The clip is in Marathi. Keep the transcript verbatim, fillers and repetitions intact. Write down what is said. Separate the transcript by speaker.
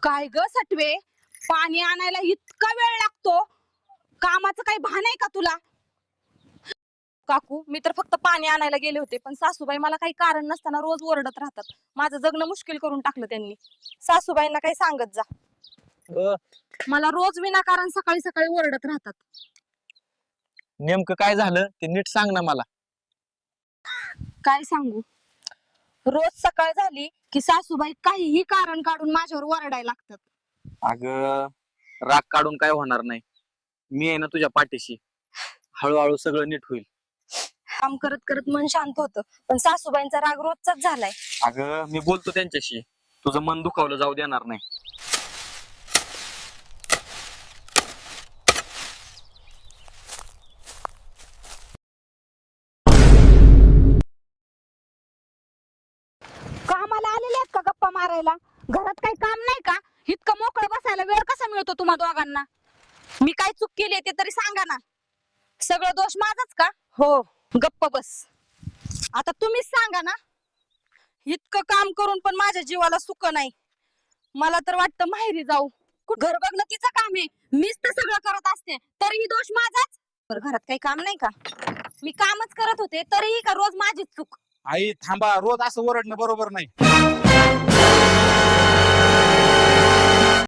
Speaker 1: काय ग सटवे, पाणी आणायला इतका वेळ लागतो? कामाचं काही भान आहे का तुला?
Speaker 2: काकू, मी तर फक्त पाणी आणायला गेले होते, पण सासूबाई मला काही कारण नसताना रोज ओरडत राहतात. माझं जगणं मुश्किल करून टाकलं त्यांनी. सासूबाईंना काही सांगत जा.
Speaker 3: अ,
Speaker 2: मला रोज विनाकारण सकाळी सकाळी ओरडत राहतात.
Speaker 3: नेमकं काय झालं ते नीट सांग ना मला.
Speaker 2: काय सांगू? रोज सकाळ झाली की सासूबाई काहीही कारण काढून माझ्यावर ओरडायला लागतात.
Speaker 3: अगं, राग काढून काय होणार नाही. मी आहे ना तुझ्या पाठीशी. हळूहळू सगळं नीट होईल.
Speaker 2: काम करत करत मन शांत होतं, पण सासूबाईंचा राग रोजचाच झालाय.
Speaker 3: अगं, मी बोलतो त्यांच्याशी. तुझं मन दुखावलं जाऊ देणार नाही.
Speaker 1: कामाला आलेले आहेत का गप्पा मारायला? घरात काही काम नाही का? इतकं मोकळं बसायला वेळ कसा मिळतो तुम्हा दोघांना? मी काय चूक केली ते तरी सांगा ना. सगळं दोष माझाच का?
Speaker 2: हो,
Speaker 1: गप्प बस. आता तुम्हीच सांगा ना.
Speaker 2: इतकं काम करून पण माझ्या जीवाला सुख नाही. मला तर वाटतं माहेरी जाऊ.
Speaker 1: घर बघणं तिचं काम आहे, मीच तर सगळं करत असते, तरीही दोष माझाच.
Speaker 2: बरं, घरात काही काम नाही का?
Speaker 1: मी कामच करत होते तरीही का रोज माझीच चूक?
Speaker 4: आई थांबा, रोज असं ओरडणं बरोबर नाही.